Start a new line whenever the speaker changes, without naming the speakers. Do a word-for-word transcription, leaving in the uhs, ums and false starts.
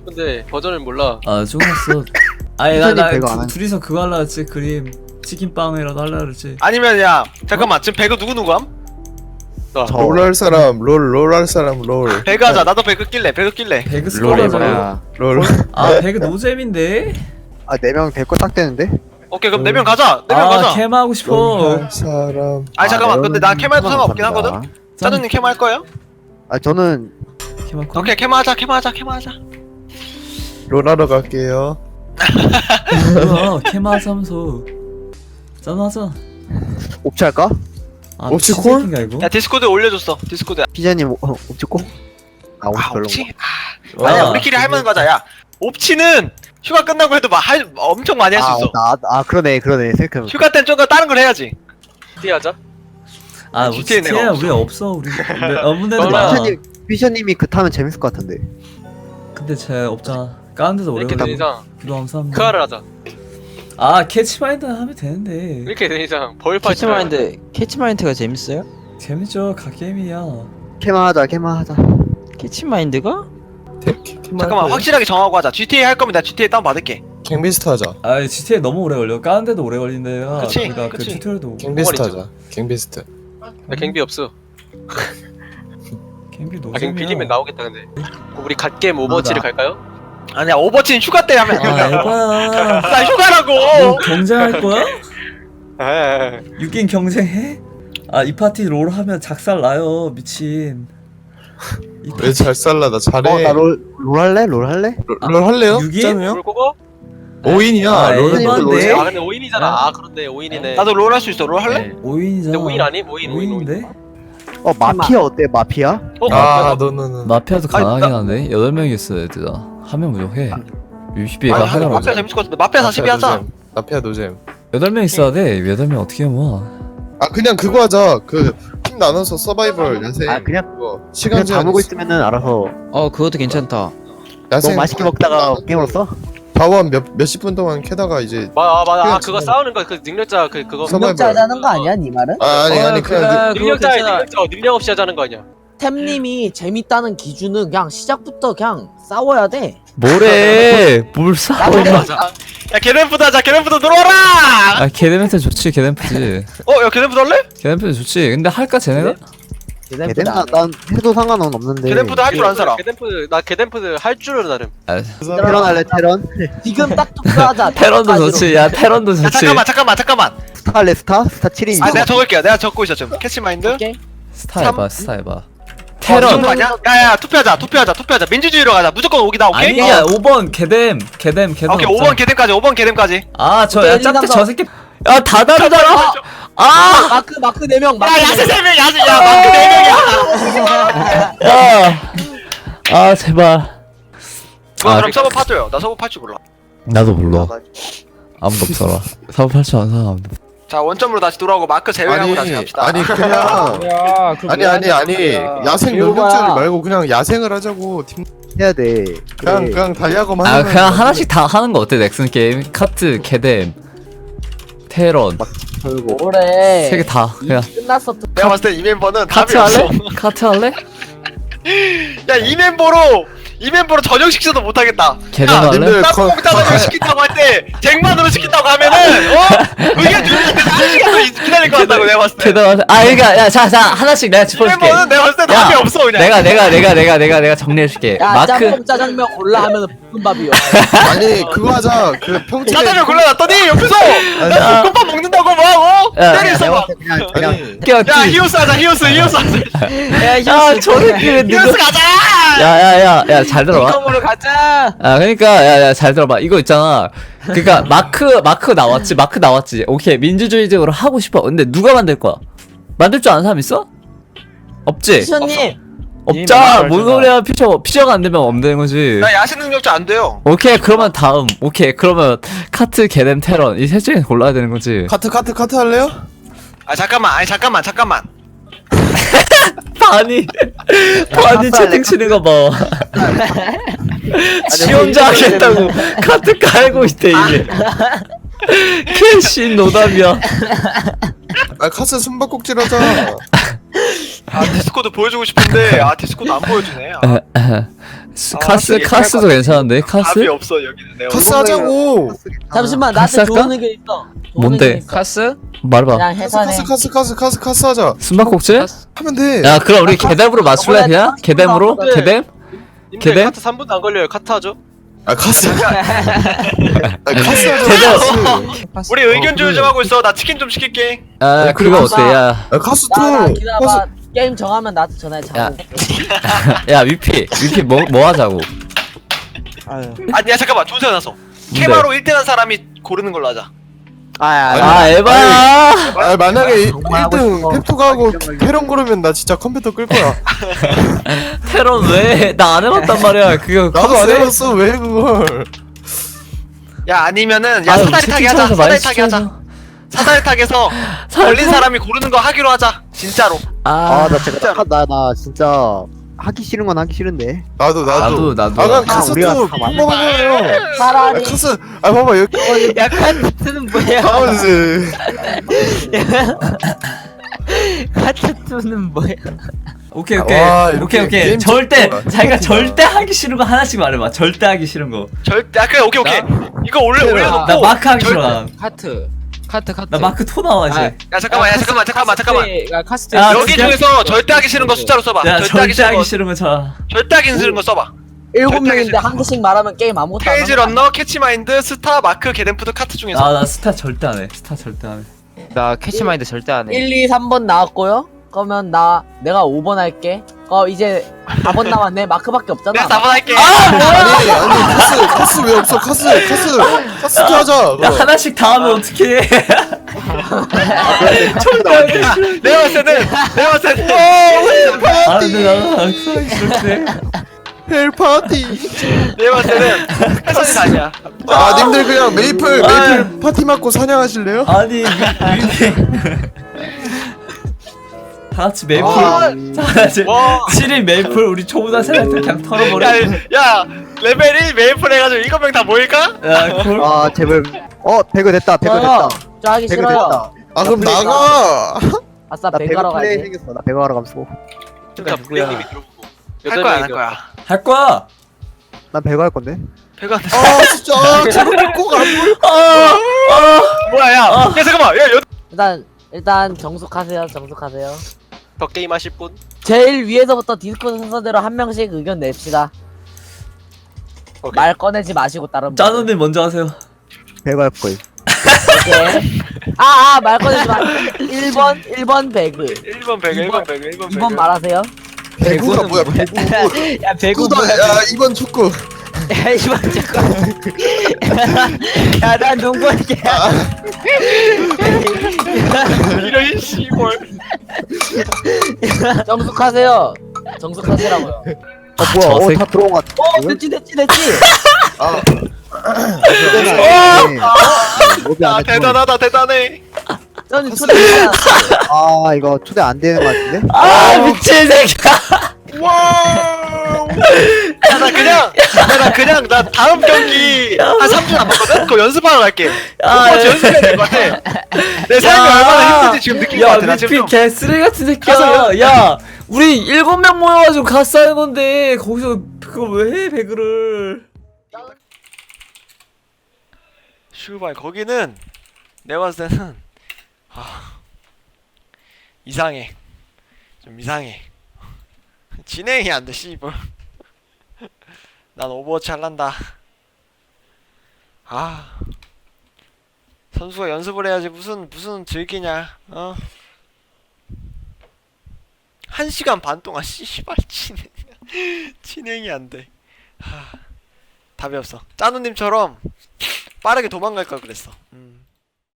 싶은데 버전을 몰라.
아 죽었어. 아니
피자님
나나
배가 안 한-
둘이서 그거 할라 했지. 그림 치킨빵이라도 할라 그랬지.
아니면 야 잠깐만 지금 배그 누구 누구 함? 나
저-
롤 할 사람 롤 롤 할 사람 롤
배그 하자. 나도 배그 낄래. 배그 낄래.
배그
롤이
스쿼드
뭐야? 롤
아 배그 노잼인데.
아 네 명 데리고 딱 되는데?
오케이 그럼 네 명 가자. 네 명
아
가자.
캠 하고
롤
싶어.
할 사람
아니 잠깐만. 근데 나 캠해도 상관없긴
감사합니다.
하거든. 짜누님 캠 할 거예요?
아 저는
캠 할 거.
오케이 캠 하자. 캠 하자. 캠 하자.
롤 하러 갈게요.
뭐야 캠 하자면서. 짠하자.
옵치 할까?
아
옵치
미친
콜?
새끼인가 이거?
야 디스코드 올려줬어. 디스코드.
피자님 어, 옵치 꼭? 아 옵치
아
별로
옵치?
와,
아니야 우리끼리 할 만한 거자. 야 옵치는 휴가 끝나고 해도 막 할 엄청 많이 할 수 있어.
아, 아, 아 그러네 그러네 생각해보면
휴가 때는 좀 다른 걸 해야지.
어떻게 하자?
아
지티에 내가
우치티야
없어.
우리 없어 우리. 우리 없는 애들
너랑-
많아.
피자님 피자님이 그 타면 재밌을 것 같은데
근데 쟤 없잖아. 까는 데도 오래
이렇게
걸려.
된 이상
기도 감사합니다.
크아를 하자.
아 캐치마인드 하면 되는데.
이렇게 된 이상 벌파이트.
캐치마인드 캐치마인드가 재밌어요?
재밌죠 갓게임이야.
캐마 하자 캐마 하자
캐치마인드가?
잠깐만 확실하게 정하고 하자. 지티에이 할 거면 나 지티에이 다운 받을게.
갱비스트 하자.
아 지티에 너무 오래 걸려. 까는 데도 오래 걸린대요.
그치,
그러니까 그
그치.
튜토리얼도
갱비스트
꽁어리죠.
하자. 갱비스트.
나 갱비 없어.
갱비 노잼이야.
아 갱 빌리면 나오겠다 근데. 우리 갓겜 오버워치를
나-
갈까요?
아니야 오버워치는 휴가 때 하면
아
안 된다고.
에바야.
나 휴가라고.
너 경쟁할 거야?
에.
육 인 경쟁해? 아 이 파티 롤 하면 작살 나요 미친. 이
왜 잘 살라 나 잘해.
어나롤 롤 할래? 롤 할래?
롤, 롤 할래요?
육 인?
짠우요?
뭘 그거?
오 인이야.
아,
롤
에반데?
아 근데 오 인이잖아. 아 그런데 오 인이네.
나도 롤 할 수 있어. 롤 할래?
네.
오 인이잖아.
근데 오 인 아니? 오 인 오 인 오 인.
오인인데?
어 마피아 어때 마피아?
어?
아 너는
마피아도
아니,
가능하긴
나-
한데 여덟 명 있어 얘들아. 한 명 부족해. 유시비가
아니,
하나
마피아
보자.
재밌을 것 같은데 마피아 사십이 하자.
마피아 노잼.
여덟 명 있어야 돼. 여덟 명 어떻게 모아?
아 그냥 그거 하자. 그 팀 나눠서 서바이벌 야생.
아 그냥
그거
그냥
시간 제한
자보고
있어.
있으면은 알아서
어 그것도 괜찮다.
야생
너무 맛있게 먹다가 게임으로 써?
자원 몇 몇십 분 동안 캐다가 이제
맞아 맞아. 아
그냥
그거
진짜-
싸우는 거 그 능력자 그 그거.
서바이벌.
능력자 하자는 거 아니야, 니 말은?
아 아니
어,
아니 그냥
그래.
그,
그거
능력자의
괜찮아.
능력자 어, 능력 없이 하자는 거 아니야?
템님이 재밌다는 기준은 그냥 시작부터 그냥 싸워야 돼.
뭐래? 뭘 싸워?
야 게덴푸드 하자. 게덴푸드 들어와라.
아 개데멘트 좋지 개데멘트지.
어야 게덴푸드 할래?
개데멘트 좋지. 근데 할까 쟤네가?
개뎀
걔네보다
나, 난 해도 상관은 없는데
게덴푸드 할 줄 아는 사람.
게덴푸드 나 게덴푸드 할 줄은 나름.
아,
테런 할래 테런?
지금 딱 투표하자.
테런도
까지로.
좋지. 야 테런도
야
좋지.
잠깐만 잠깐만 잠깐만.
스타 할래 스타? 스타 칠 인
아 내가 적을게요. 내가 적고 있어 지금. 캐치마인드.
오케이.
스타 해봐 스타 해봐.
테런
테런.
맞냐? 야야 투표하자 투표하자 투표하자. 민주주의로 가자. 무조건 오기다 오케이?
아니야 오 번 개뎀 개뎀 개뎀.
오케이 오 번 게덴까지 오 번 게덴까지.
아저야
오케이,
짭대
일,
저 새끼. 야 다 다르잖아. 아.
마크 마크 네 명. 마크
야
네
야세
명.
세 명 야세 야 마크 네 명이야.
야. 아 제발.
누가
아,
그럼 서버 파줘요. 나 서버 팔 줄 몰라.
나도 몰라. 아무도 없어라. 사업 할줄 아는 사람 아무도.
자 원점으로 다시 돌아오고 마크 제외하고
아니
다시 갑시다.
아니 그냥
야,
아니 아니 아니 야생
이거
능력자를
봐라.
말고 그냥 야생을 하자고 팀
해야 돼
그냥
그래.
그냥 달리하고만
아
하면
그냥 하나씩 다 하는 거 어때 넥슨 게임? 카트 개뎀 테런
결국
뭐래.
세 개 다 그냥.
끝났어. 투-
내가 봤을 때 이 멤버는 답이
카트
없어.
할래? 카트 할래?
야 이 멤버로 이 멤버로 저녁 식사도 못하겠다.
개뎀
야,
할래?
님들 거-
짬뽕짜장을 시킨다고 할 때 쟁반으로 시킨다고 하면은 어? 의견 주는 한 시간 기다릴 것 같다고 내가 봤을 때.
개뎀 할래? 아 그러니까 야자자 하나씩 내가
이
짚어줄게.
멤버는 내가 봤을 때 답이
야,
없어 그냥.
내가 내가 내가 내가 내가 내가 정리해줄게.
야
마크
짬뽕 짜장면 골라 하면은 볶음밥이요.
아니 그거 하자 그 평소에
짜장면 골라놨더니 옆에서
야.
나 볶음밥 먹는다고 뭐하고
야,
때려 있어
내가
봐.
봤을 때 그냥 그냥
아니
껴.
야 히오스 하자 히오스 히오스 하자.
야저 새끼는 누구?
히오스 가자.
야야야 야 잘 들어봐.
이kom으로 가자.
아 그러니까 야야 잘 들어봐 이거 있잖아. 그러니까 마크 마크 나왔지 마크 나왔지. 오케이 민주주의적으로 하고 싶어. 근데 누가 만들 거야? 만들 줄 아는 사람 있어? 없지.
피셔님.
없자. 뭔 소리야 피처 피처가 안 되면 없는 거지.
나 야생 능력자 안 돼요.
오케이 그러면 다음. 오케이 그러면 카트 게뎀 테런 이 셋 중에 골라야 되는 거지.
카트 카트 카트 할래요?
아 잠깐만 아니 잠깐만 잠깐만.
바니 바니 채팅 치는 거 봐. 지 혼자 하겠다고 카트 깔고 있대 이게. 캐시 노답이야.
아 카트 숨바꼭질 하자.
아 디스코드 보여주고 싶은데 아 디스코드 안 보여주네. 아.
스-
아,
카스
확실히
카스도 괜찮은데
답이
카스?
없어 여기는 내가.
카스 하자고.
잠시만
카스
나한테 좋은
할까?
의견 있어. 좋은
뭔데?
의견 있어.
카스?
말해봐.
그냥
카스
해산해.
카스 카스 카스 카스 카스 하자.
숨바꼭질?
카스?
하면 돼.
야 그럼 우리 개뎀으로 맞출래 그냥? 개뎀으로?
네.
개뎀?
님들
걔네?
카트 삼 분도 안 걸려요. 카트 하죠?
아 카스. 아 카스 하자.
개뎀.
카스.
우리 의견 조율 좀 하고 있어. 나 치킨 좀 시킬게.
아 그거 어때? 야,
아 카스
나나
투.
기다려봐. 게임 정하면 나한테 전화해.
야.
자고.
야 위피 위피 뭐 뭐 하자고?
아유.
아니 야 잠깐만 좋은 생각 났어. 케바로 일 등 한 사람이 고르는 걸로 하자.
아야
아 에바야.
아 만약에
정말 하고
일 등
싶어.
펩토가 하고 페론 고르면 나 진짜 컴퓨터 끌 거야.
테론 왜? 나 안 해봤단 말이야. 그거
나도 안
컴퓨터에?
해봤어 왜 그걸.
야 아니면은 야
아유,
사다리 타기 하자.
채팅창에서 많이
사다리 타기 하자.
시켜줘.
사다리 타기에서 걸린 사람이 고르는 거 하기로 하자. 진짜로.
아,
아나 진짜 나 나 진짜 하기 싫은 건 하기 싫은데.
나도 나도.
나도 나도.
아 그냥
아,
카스
우리가
투
다 맞네.
먹어요. 아
차라리
카스. 아 봐봐 여기.
야 카트는 뭐야?
가운데.
카트는 뭐야?
오케이 오케이
와,
오케이
이렇게
오케이
게임
절대
좋구나.
자기가 절대 하기 싫은 거 하나씩 말해봐. 절대 하기 싫은 거.
절대 아 그래 오케이 오케이. 이거 올려 올려놓고.
나 마크 하기
절-
싫어. 난.
카트. 카트 카트.
나 마크 토 나와 이제.
야 잠깐만 야 잠깐만 잠깐만 잠깐만.
야 카스트.
야,
여기
진짜?
중에서 절대 하기 싫은 거 숫자로 써봐.
야
절대 하기
절대
싫은
하기
거
싫은 거 자.
절대 하기 싫은 거 써봐.
일곱
절대
명인데
하기
한 개씩 말하면 게임 아무것도 안
페이지
하는 거야.
런너, 캐치마인드, 스타, 마크, 게덴푸드 카트 중에서.
아나 스타 절대 안 해. 스타 절대 안 해.
나 캐치마인드 절대 안 해.
일, 이, 삼 번 나왔고요. 그러면 나 내가 오 번 할게. 어 이제 사 번 남았네. 마크밖에 없잖아.
내가 사 번 할게.
아니 아니 카스 카스 왜 없어 카스 카스 카스 투 하자.
야
그럼.
하나씩 다 하면 어떡해.
내가 봤을 때는 내가 봤을 때는
아 근데 나는 하기 싫대.
헬 파티.
내가 봤을 때는 패션이 다시야.
아 님들 그냥 메이플
아.
메이플 파티 맞고 사냥하실래요?
아니 위피. 다 같이 메이플.
아.
다 같이.
와.
칠 일 메이플 우리 초보자 세라한테 그냥 털어버려.
야, 야 레벨 일 메이플 해가지고 일곱 명 다 모일까?
야 콜.
아 제발. 어 배그 됐다 배그
저요.
됐다.
저 하기
배그
싫어요.
됐다.
아 그럼
플레이
나가.
아싸
나 배그
배가러
플레이
가야지.
생겼어. 나 배그 하러 감수.
그러니까 부장님이 들어보고.
할 거야 안 할 거야.
할 거야.
난 배그 할 건데.
배가
아 진짜 아, 저렇게 꼭안 보여.
아,
뭐야 야. 야 잠깐만. 야 여.
일단 일단 정숙하세요. 정숙하세요.
더 게임 하실 분?
제일 위에서부터 디스코드 순서대로 한 명씩 의견 냅시다.
오케이.
말 꺼내지 마시고 다른 분.
짜누님 먼저 하세요.
배그 할 거임.
오케이. 아, 아, 말 꺼내지 마. 일 번, 일 번 배그.
일 번 배그 일 번 배그 일 번 배그.
이 번 말하세요.
배구가 뭐야 배구.
야, 배구
축구다.
뭐야?
야 이번 축구.
야, 이 번 잠깐. 야, 난 농구할게.
이런 씨발.
정숙하세요. 정숙하시라고요.
어 뭐야?
저 새끼.
어다 들어온 것 같아.
어, 됐지, 됐지, 됐지.
아
아 대단하다 대단해.
저는 초대했잖아.
아 이거 초대 안 되는 것 같은데?
아 미친 새끼야.
와. 야나 그냥 야나 그냥 나 다음 경기 한 삼 주 남았거든. 그거 연습하러 갈게.
아,
오버워치 연습해야 될 것 같아. 내 삶이 얼마나 힘든지 지금 느낀 것
야
같아. 나 지금
미피
좀.
개쓰레기 같은 새끼야.
가서
야 우리 일곱 명 모여가지고 가스 하는 건데 거기서 그걸 왜 해 배그를.
슈발 거기는 내가 봤을 때는 아 이상해. 좀 이상해. 진행이 안 돼, 씨발. 난 오버워치 할란다. 아. 선수가 연습을 해야지 무슨 무슨 즐기냐. 어? 한 시간 반 동안 씨발 진행 진행이 안 돼. 하. 답이 없어. 짜누님처럼 빠르게 도망갈 걸 그랬어.